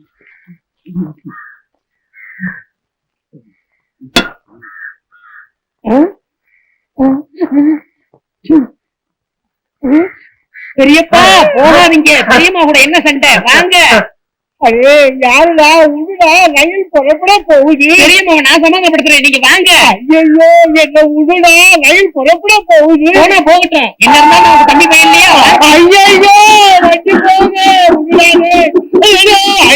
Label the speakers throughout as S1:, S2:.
S1: பெரியப்பா போகாதீங்க, பெரியம்மா கூட என்ன சண்டை? வாங்க.
S2: அதே யாருடா உடுடா, ரயில் புறப்பட போகுது.
S1: பெரியம்மாவை நான் சமாதானப்படுத்துறேன், நீங்க வாங்க.
S2: ஐயோ என்ன உடுடா, ரயில் புறப்பட போகுது.
S1: போனா போகட்டும், என்ன இருந்தாலும் நமக்கு தம்பி பையன் இல்லையா?
S2: ஐயோ வண்டி போங்க, உடுடாது. ஐயோ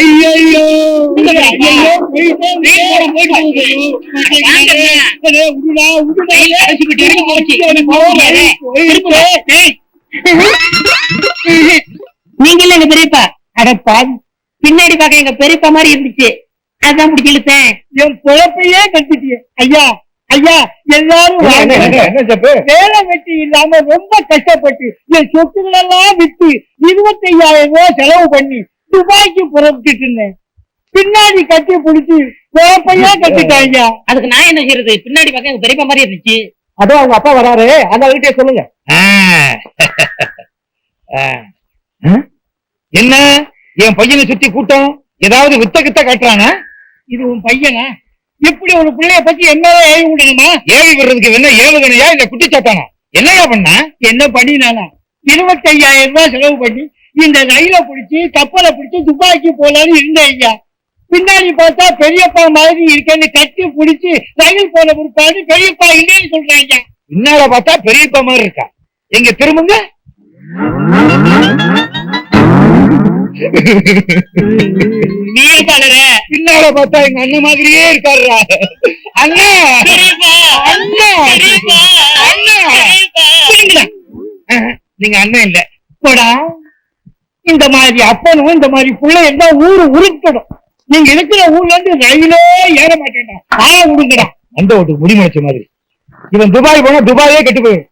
S1: நீங்க இல்ல எங்க பெரியப்பா. அடப்பா, பின்னாடி பார்க்க எங்க பெரியப்பா மாதிரி இருந்துச்சு, அதான் பிடிச்சி இழுத்தேன்.
S2: என் குழப்பையே கட்டிட்டிய. ஐயா ஐயா, எல்லாரும் வேலை வெட்டி இல்லாம ரொம்ப கஷ்டப்பட்டு என் சொத்துக்கள் எல்லாம் விட்டு 25,000 ரூபாய் செலவு பண்ணி துபாய்க்கு புறப்பட்டு இருந்தேன். பின்னாடி கட்டி பிடிச்சி குழப்பையே கட்டிட்டாங்க.
S1: அதுக்கு நான் என்ன செய்யறது? பின்னாடி பார்க்க எங்க பெரியப்பா மாதிரி இருந்துச்சு.
S2: அதோ அவங்க அப்பா வராரு, அந்த வீட்டே சொல்லுங்க.
S3: என்ன என் பையனை சுத்தி கூட்டம் ஏதாவது வித்த கித்த காட்டுறாங்க?
S2: இது உன் பையனா? இப்படி ஒரு பிள்ளைய பத்தி என்ன ஏவி விடணுமா?
S3: ஏவி விடுறதுக்கு என்ன ஏவுகணையா இல்ல குட்டிச்சாத்தானா? என்னையா பண்ண?
S2: என்ன பண்ணினானா? 25,000 ரூபாய் செலவு பண்ணி இந்த ரயில பிடிச்சி கப்பலை பிடிச்சி துபாய்க்கு போலான்னு இருந்தேன் ஐயா. பின்னாடி பார்த்தா பெரியப்பா மாதிரி இருக்கேன்னு கட்டி பிடிச்சி ரயில் போன பிற்பாடு பெரியப்பா இல்லைன்னு சொல்றாங்க.
S3: பின்னால பார்த்தா பெரியப்பா மாதிரி இருக்கா? எங்க திரும்புங்க.
S2: பின்னால பார்த்தா எங்க அண்ணன் மாதிரியே இருக்காருடா. அண்ணா அண்ணா
S3: நீங்க அண்ணன் இல்ல
S2: போடா. இந்த மாதிரி அப்பனும் இந்த மாதிரி பிள்ளை இருந்தா ஊரு உருட்டணும். நீங்க இருக்கிற ஊர்ல இருந்து ரயிலே ஏற மாட்டேன்டா. விடுங்கடா.
S3: அந்த ஓட்டுக்கு முடிமுடிச்ச மாதிரி. இவன் துபாய் போனா துபாயே கெட்டு போயிடும்.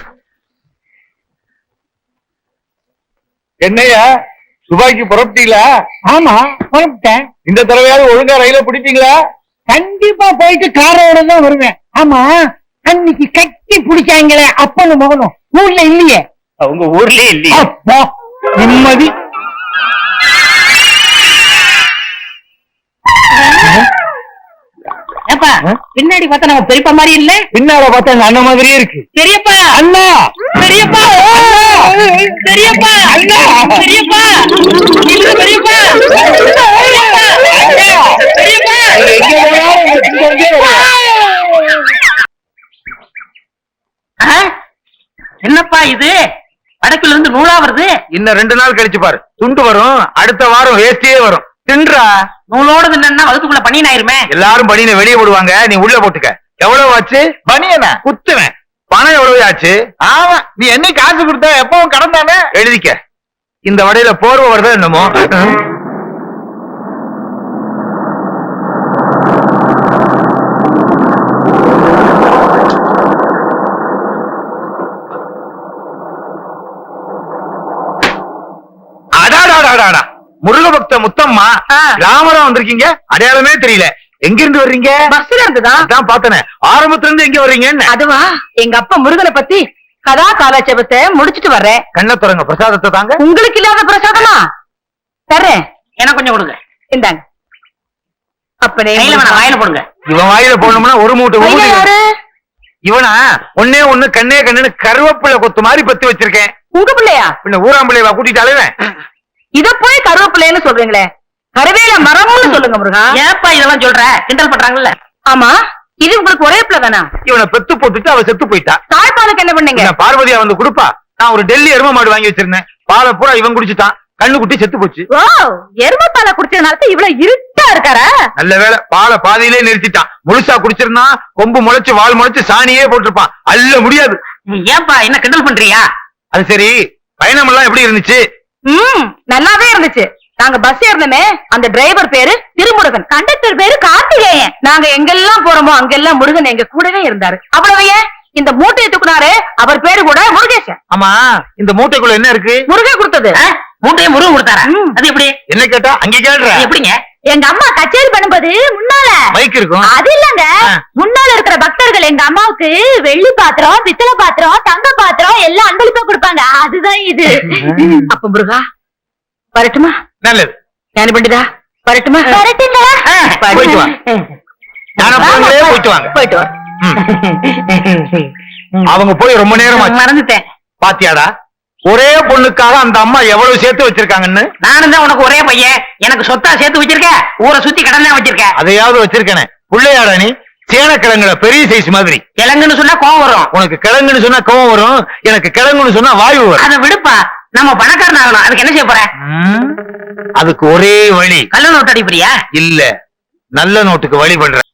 S3: என்னையா துபாய்க்கு புறப்பட்டீங்களா?
S2: ஆமா புறப்பட்டேன்.
S3: இந்த தடவையாவது ஒழுங்கா ரயில பிடிப்பீங்களா?
S2: கண்டிப்பா போயிட்டு காரோட தான் வருவேன். ஆமா, அன்னைக்கு கட்டி பிடிச்சாங்களே அப்பனும் மகனும் ஊர்ல இல்லையே?
S3: உங்க ஊர்லயே இல்லையே?
S2: நிம்மதி.
S1: பின்னாடி பார்த்தா நம்ம பெரியப்பா மாதிரி இல்ல,
S3: பின்னால பார்த்தா எங்க அண்ணன் மாதிரியே இருக்கு.
S1: பெரியப்பா
S3: அண்ணா,
S1: பெரியப்பா பெரியப்பா அண்ணா, பெரியப்பா பெரியப்பா என்னப்பா இது? வடக்குல இருந்து நூலா வருது.
S3: இன்னும் 2 நாள் கழிச்சு பாரு, துண்டு வரும். அடுத்த வாரம் வேஸ்டியே வரும். தின்றா.
S1: நூலோட தின்னா வகுத்துக்குள்ள பனியன் ஆயிருமே.
S3: எல்லாரும் பனியனை வெளியே போடுவாங்க, நீ உள்ள போட்டுக்க. எவ்வளவு ஆச்சு பனியனா? குத்துவேன். பணம் எவ்வளவு ஆச்சு? ஆமா, நீ என்ன காசு கொடுத்த? எப்பவும் கடன் தானே. எழுதிக்க. இந்த வடையில போர்வை வருதா என்னமோ? முருக பக்த முத்தம்மா, ராமரா வந்திருக்கீங்க. அடையாளமே தெரியல. எங்க இருந்து வர்றீங்க?
S1: பஸ்ல இருந்துதான்.
S3: அதான் பார்த்தனே. ஆரம்பத்துல இருந்து எங்க வர்றீங்க?
S1: அதுவா, எங்க அப்பா முருகனை பத்தி கதா காலாட்சேபத்தை முடிச்சிட்டு வர்றேன்.
S3: கண்ண துறங்க, பிரசாதத்தை தாங்க.
S1: உங்களுக்கு இல்லாத பிரசாதமா? தர்றேன், எனக்கு கொஞ்சம் கொடுங்க. இந்தாங்க. அப்படியே வாயில போடுங்க.
S3: இவன் வாயில போடணும்னா ஒரு மூட்டை. இவனா ஒன்னே ஒண்ணு கண்ணே கண்ணுன்னு கருவேப்பிள்ளை கொத்து மாதிரி பத்தி வச்சிருக்கேன்.
S1: உங்க பிள்ளையா?
S3: பின்ன ஊராம்பிள்ளைவா கூட்டிட்டு அலைவேன்.
S1: இத போய் கருவேப்பிள்ளைன்னு சொல்றீங்களே, கருவேல மரம்னு சொல்லுங்க முருகா. ஏப்பா இதெல்லாம் சொல்ற? கிண்டல் பண்றாங்கல்ல. ஆமா, இது உங்களுக்கு ஒரே பிள்ளை தானா?
S3: இவனை பெத்து போட்டுட்டு அவ செத்து போயிட்டா.
S1: தாய்ப்பாலுக்கு என்ன பண்ணீங்க?
S3: பார்வதியா வந்து கொடுப்பா. நான் ஒரு டெல்லி எரும மாடு வாங்கி வச்சிருந்தேன். பாலை பூரா இவன் குடிச்சுட்டான். கண்ணு குட்டி செத்து போச்சு.
S1: ஓ, எரும பாலை குடிச்சதுனால இவ்வளவு இருட்டா இருக்காரா?
S3: நல்ல வேலை, பாலை பாதியிலே நிறுத்திட்டான். முழுசா குடிச்சிருந்தா கொம்பு முளைச்சு வால் முளைச்சு சாணியே போட்டிருப்பான். அல்ல முடியாது.
S1: ஏன்பா என்ன கிண்டல் பண்றியா?
S3: அது சரி, பயணம் எல்லாம் எப்படி இருந்துச்சு?
S1: நல்லாவே இருந்துச்சு. நாங்க பஸ் ஏறணுமே, அந்த டிரைவர் பேரு திருமுருகன், கண்டக்டர் பேரு கார்த்திகேயன். நாங்க எங்கெல்லாம் போறோமோ அங்கெல்லாம் முருகன் எங்க கூடவே இருந்தாரு. அவ்வளவு ஏன், இந்த மூட்டையை தூக்குனாரு, அவர் பேரு கூட முருகேசன்.
S3: ஆமா, இந்த மூட்டைக்குள்ள என்ன இருக்கு?
S1: முருகன் கொடுத்தது. மூட்டையை முருகன் கொடுத்தாரா? அது எப்படி?
S3: என்ன கேட்டா அங்க கேள்ற.
S1: எப்படிங்க? எங்க அம்மா கச்சேரி பண்ணும்போது முன்னால
S3: மைக் இருக்கும்.
S1: அது இல்லங்க, முன்னால இருக்கிற பக்தர்கள் எங்க அம்மாவுக்கு வெள்ளி பாத்திரம், பித்தளை பாத்திரம், தங்க பாத்திரம் எல்லாம் அன்பளிப்பா கொடுப்பாங்க. அதுதான் இது. அப்ப முருகா வரட்டுமா?
S3: நல்லது.
S1: ஞானி பண்டிதா வரட்டுமா? வரட்டுங்களா?
S3: போயிட்டு வா. ஞானப்பழங்களே போயிட்டு வாங்க.
S1: போயிட்டு வா.
S3: அவங்க போய் ரொம்ப நேரம் ஆச்சு.
S1: மறந்துட்டேன்.
S3: பாத்தியாடா, ஒரே பொண்ணுக்காக அந்த அம்மா எவ்வளவு சேர்த்து வச்சிருக்காங்கன்னு.
S1: நானும் தான் உனக்கு ஒரே பையன், எனக்கு சொத்தா சேர்த்து வச்சிருக்க, ஊரை சுத்தி கடன் தான் வச்சிருக்க.
S3: அதையாவது வச்சிருக்கேனே. பிள்ளையாடா நீ? சேனக்கிழங்குல பெரிய சைஸ் மாதிரி.
S1: கிழங்குன்னு சொன்னா கோவம் வரும்.
S3: உனக்கு கிழங்குன்னு சொன்னா கோவம் வரும், எனக்கு கிழங்குன்னு சொன்னா வாயு வரும்.
S1: அதை விடுப்பா, நம்ம பணக்காரன் ஆகணும். அதுக்கு என்ன செய்ய போற?
S3: அதுக்கு ஒரே வழி.
S1: கள்ள நோட்டு அடிப்படியா?
S3: இல்ல, நல்ல நோட்டுக்கு வழி பண்ற.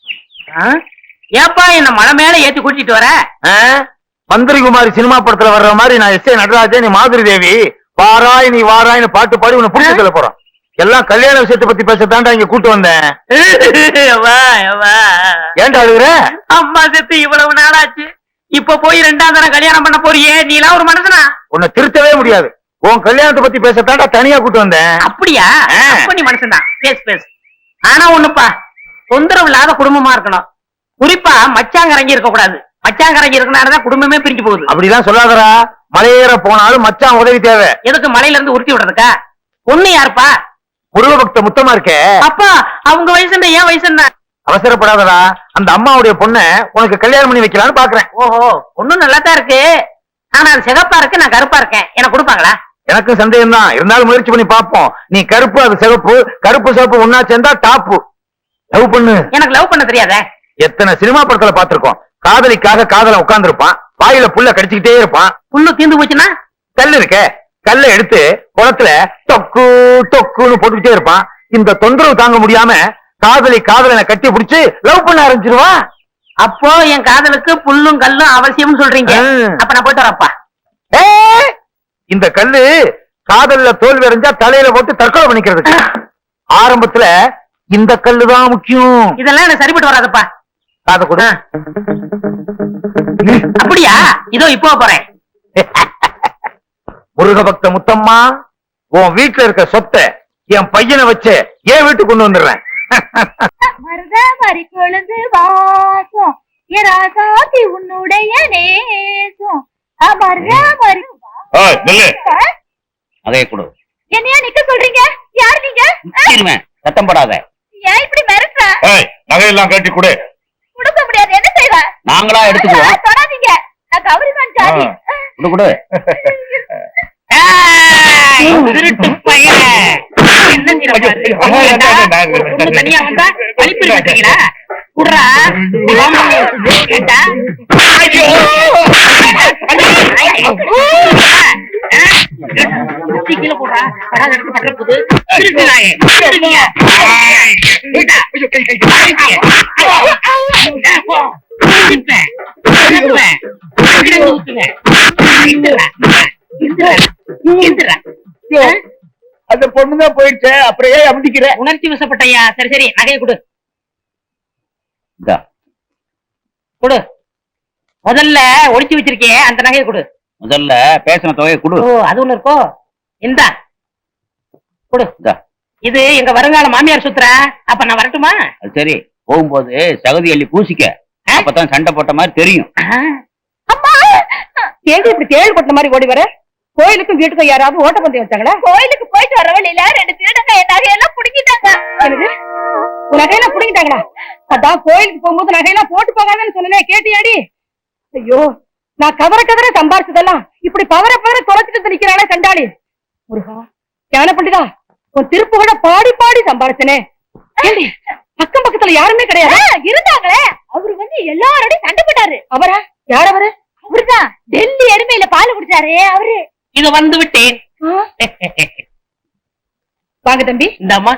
S1: ஏப்பா என்ன மலை மேல ஏத்தி கூட்டிட்டு வர?
S3: மந்திரிகுமாரி சினிமா படத்துல வர்ற மாதிரி நான் எஸ் ஏ நடராஜன், நீ மாதிரி தேவி வாராய் நீ வாராய்னு பாட்டு பாடி உன்னை புடிச்சு சொல்ல போறோம். எல்லாம் கல்யாண விஷயத்தை பத்தி பேசத்தாண்டா இங்க கூட்டு வந்தேன். ஏன்டா அழுகுற?
S1: அம்மா செத்து இவ்வளவு நாளாச்சு, இப்ப போய் 2ஆம் தரம் கல்யாணம் பண்ண போறியே, நீ எல்லாம் ஒரு மனுஷனா?
S3: உன்னை திருத்தவே முடியாது. உன் கல்யாணத்தை பத்தி பேசத்தாண்டா தனியா கூட்டு வந்தேன்.
S1: அப்படியா? அப்ப நீ மனுஷன் தான். பேசு பேசு. ஆனா ஒண்ணுப்பா, தொந்தரவு இல்லாத குடும்பமா இருக்கணும். குறிப்பா மச்சாங்கரங்கி இருக்க கூடாது. மச்சாங்கரங்கி இருக்கனாலதான் குடும்பமே பிரிஞ்சு போகுது.
S3: அப்படிலாம் சொல்லாதடா. மலையேற போனாலும் மச்சான் உதவி தேவை.
S1: எதுக்கு மலையில இருந்து உருட்டி விடுறதுக்கா? பொண்ணு யாருப்பா?
S3: முருக பக்த முத்தமா இருக்கே.
S1: அப்பா அவங்க வயசு என்ன, ஏன் வயசு என்ன?
S3: அவசரப்படாதடா. அந்த அம்மாவுடைய பொண்ணை உனக்கு கல்யாணம் பண்ணி வைக்கலான்னு பாக்குறேன்.
S1: ஓஹோ, பொண்ணு நல்லா தான் இருக்கு. ஆனா அது சிகப்பா இருக்கு, நான் கருப்பா இருக்கேன். எனக்கு கொடுப்பாங்களா?
S3: எனக்கு சந்தேகம் தான், இருந்தாலும் முயற்சி பண்ணி பாப்போம். நீ கருப்பு, அது சிவப்பு, கருப்பு சிவப்பு ஒன்னா சேர்ந்தா டாப்பு. லவ் பண்ணு.
S1: எனக்கு லவ் பண்ண தெரியாதே.
S3: எத்தனை சினிமா படத்துல பாத்திருக்கோம். காதலிக்காக காதல உட்கார்ந்து இருப்பான், வாயில புல்ல கடிச்சுக்கிட்டே இருப்பான்.
S1: புல்லு தீந்து போச்சுன்னா
S3: கல்லு இருக்க, கல்ல எடுத்து குளத்துல தொக்கு தொக்குன்னு போட்டுக்கிட்டே இருப்பான். இந்த தொந்தரவு தாங்க முடியாம காதலனை கட்டி பிடிச்சு லவ் பண்ண ஆரம்பிச்சிருவான்.
S1: அப்போ என் காதலுக்கு புல்லும் கல்லும் அவசியம் சொல்றீங்க. அப்ப நான் போயிட்டு வரப்பா.
S3: இந்த கல்லு காதல்ல தோல்வி அடைஞ்சா தலையில போட்டு தற்கொலை பண்ணிக்கிறதுக்கு. ஆரம்பத்துல இந்த கல்லுதான் முக்கியம்.
S1: இதெல்லாம் எனக்கு சரிப்பட்டு வராதப்பா.
S3: காத கூட.
S1: அப்படியா? இதோ இப்போ போறேன்.
S3: முருக பக்த முத்தம்மா, உன் வீட்டுல இருக்க சொத்தை என் பையனை வச்சு என் வீட்டுக்கு கொண்டு வந்துடுறேன்.
S4: மருதமரி கொழுந்து வாசம் ராசாத்தி உன்னுடைய நேசம் மருதமரி.
S5: அதே கொடு.
S4: என்னையா நிக்க சொல்றீங்க? யார் நீங்க?
S5: சத்தம் போடாத.
S4: ஏன் இப்படி மிரட்டுற?
S3: நகையெல்லாம் கட்டி கொடு.
S4: கொடுக்க முடியாது. என்ன செய்வ?
S5: நாங்களா எடுத்துக்குவோம்.
S4: தொடாதீங்க, நான் கௌரிதான் ஜாதி.
S5: கொடு கொடு.
S1: திருட்டு பையன். என்ன தனியா வந்தா அழிப்பு கட்டுறீங்களா? குடுறா. கீழே போடுறா.
S2: அந்த பொண்ணுதான் போயிடுச்சு, அப்புறம் ஏன் அப்படிக்கிற?
S1: உணர்ச்சி வசப்பட்டையா? சரி சரி, நகையை கொடு. கொடு. முதல்ல ஒளிச்சு வச்சிருக்கே அந்த நகையை கொடு.
S5: முதல்ல பேசின தொகையை கொடு.
S1: ஓ, அது ஒண்ணு இருக்கோ? இந்தா கொடு. இது எங்க வருங்கால மாமியார் சுத்துற. அப்ப நான் வரட்டுமா?
S5: அது சரி, போகும்போது சகதி அள்ளி பூசிக்க, அப்பதான் சண்டை போட்ட மாதிரி தெரியும்.
S1: கேள்வி இப்படி தேள் கொட்ட மாதிரி ஓடி வர. கோயிலுக்கும் வீட்டுக்கும் யாராவது ஓட்டப்பந்தயம் வச்சாங்களா?
S4: கோயிலுக்கு போயிட்டு வர வழியில 2 திருடங்க என் நகையெல்லாம் புடிக்கிட்டாங்க.
S1: உன் நகையெல்லாம் புடிங்கிட்டாங்களா? அதான் கோயிலுக்கு போகும்போது நகையெல்லாம் போட்டு போகாதன்னு சொன்னேன், கேட்டியாடி? ஐயோ, நான் கவர சம்பாரிச்சதெல்லாம் இப்படி பவர தொலைச்சிட்டு நிக்கிறானே கண்டாளி. முருகா, ஞான பண்டிதா, உன் திருப்பு கூட பாடி பாடி சம்பாரிச்சனே. அக்கம் பக்கத்துல யாருமே கிடையாது.
S4: இருந்தாங்களே, அவரு வந்து எல்லாரோடையும் சண்டை போட்டாரு.
S1: அவரா? யார் அவரு?
S4: அவருதான் டெல்லி எருமையில பால் குடிச்சாரு அவரு.
S1: இது வந்து விட்டேன். வாங்க தம்பி. இந்த அம்மா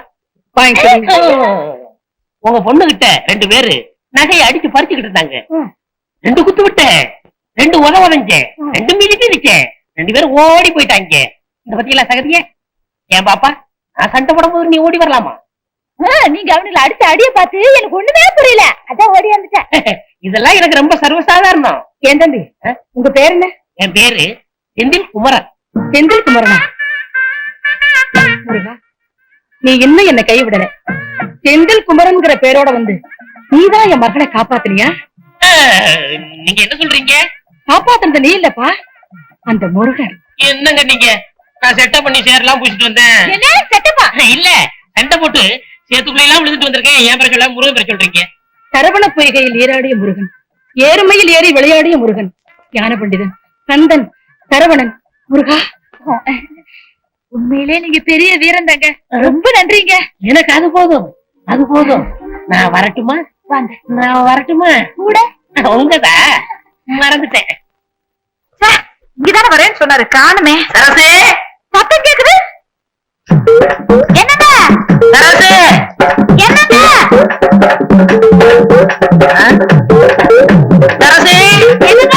S1: உங்க பொண்ணு கிட்ட 2 பேரு நகையை அடிச்சு பறிச்சுக்கிட்டு இருந்தாங்க. 2 குத்து விட்டேன், 2 உதவஞ்சேன், 2 மிதிச்சேன். 2 பேரும் ஓடி போயிட்டாங்க. இந்த பத்தியெல்லாம் சகதிய ஏன் பாப்பா, நான் சண்டை போடும் போது நீ ஓடி வரலாமா?
S4: நீங்க அவனுங்களை அடிச்ச அடிய பார்த்து எனக்கு ஒண்ணுமே புரியல, அதான் ஓடி வந்துட்டேன்.
S1: இதெல்லாம் எனக்கு ரொம்ப சர்வசாதாரணம். ஏன் தம்பி, உங்க பேர் என்ன? என் பேரு செந்தில் குமரன். செந்தில் குமரனா? நீ இன்னும் என்ன கைவிடல. செந்தில் குமரன்ங்கிற பேரோட வந்து நீதான் என் மகளை காப்பாத்துனியா? நீங்க என்ன சொல்றீங்க? காப்பாத்துறது நீ இல்லப்பா, அந்த முருகன். என்னங்க நீங்க? நான் செட்டப் பண்ணி சேரலாம் பூச்சிட்டு வந்தேன்.
S4: என்ன செட்டப்பா?
S1: இல்ல,
S6: சண்டை போட்டு சேத்துக்குள்ள எல்லாம் விழுந்துட்டு வந்திருக்கேன். ஏன் பேர சொல்ல முருகன் பேர சொல்றீங்க?
S1: சரவண பொய்கையில் நீராடிய முருகன், ஏறுமையில் ஏறி விளையாடிய முருகன், ஞான பண்டிதன், கந்தன், சரவணன், முருகா.
S4: உண்மையிலே நீங்க பெரிய வீரன் தாங்க. ரொம்ப நன்றிங்க.
S6: எனக்கு அது போதும், அது போதும். நான் வரட்டுமா?
S4: வாங்க.
S6: நான் வரட்டுமா?
S4: கூட
S6: உங்கதா மறந்துட்டேன்.
S1: இங்கதானே வரேன்னு சொன்னாரு, காணுமே.
S6: சரசே,
S1: சத்தம் கேக்குது. என்னங்க
S6: சரசே,
S1: என்னங்க
S6: சரசே,
S1: என்னங்க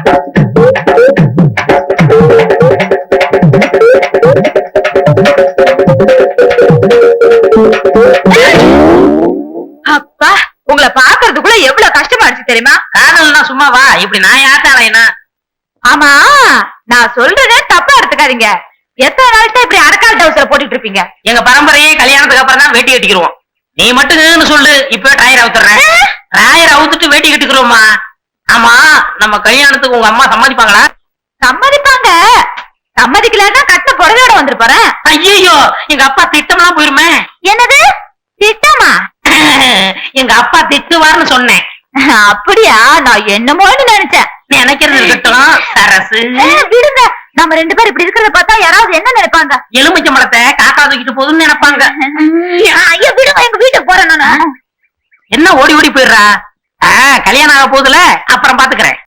S1: அப்பா, உங்களை பாக்குறதுக்குள்ள எவ்வளவு கஷ்டமா இருந்துச்சு தெரியுமா?
S6: காதல்னா சும்மாவா? இப்படி நான் யாத்தானா?
S1: ஆமா, நான் சொல்றதே தப்பா எடுத்துக்காதீங்க. எத்தனை நாளைக்கு இப்படி அடக்கால் டவுசரை போட்டுட்டு இருப்பீங்க?
S6: எங்க பரம்பரையே கல்யாணத்துக்கு அப்புறம் தான் வேட்டி கட்டிக்கிறோம். நீ மட்டும் சொல்லு, இப்ப டயர் அவுத்துறேன். டயர் அவுத்துட்டு வேட்டி கட்டிக்கிறோமா? ஆமா, நம்ம கல்யாணத்துக்கு உங்க அம்மா சம்மதிப்பாங்களா?
S1: சம்மதிப்பாங்க. சம்மதிக்கலன்னா கட்ட புடவையோட வந்திருப்பாரு.
S6: ஐயோ, எங்க அப்பா திட்டம்லாம் போயிருமே.
S1: என்னது திட்டமா?
S6: எங்க அப்பா திட்டுவார்னு சொன்னேன்.
S1: அப்படியா? நான் என்னமோன்னு நினைச்சேன்.
S6: நினைக்கிறது இருக்கட்டும் சரசு.
S1: விடுங்க, நம்ம ரெண்டு பேரும் இப்படி இருக்கிறத பார்த்தா யாராவது என்ன நினைப்பாங்க?
S6: எலுமிச்சம்பழத்தை காக்கா தூக்கிட்டு போகுதுன்னு நினைப்பாங்க.
S1: ஐயா விடுங்க, எங்க வீட்டுக்கு போறேன் நானு.
S6: என்ன ஓடி ஓடி போயிடுறா? கல்யாணம் ஆக போகுதுல, அப்புறம் பாத்துக்கிறேன்.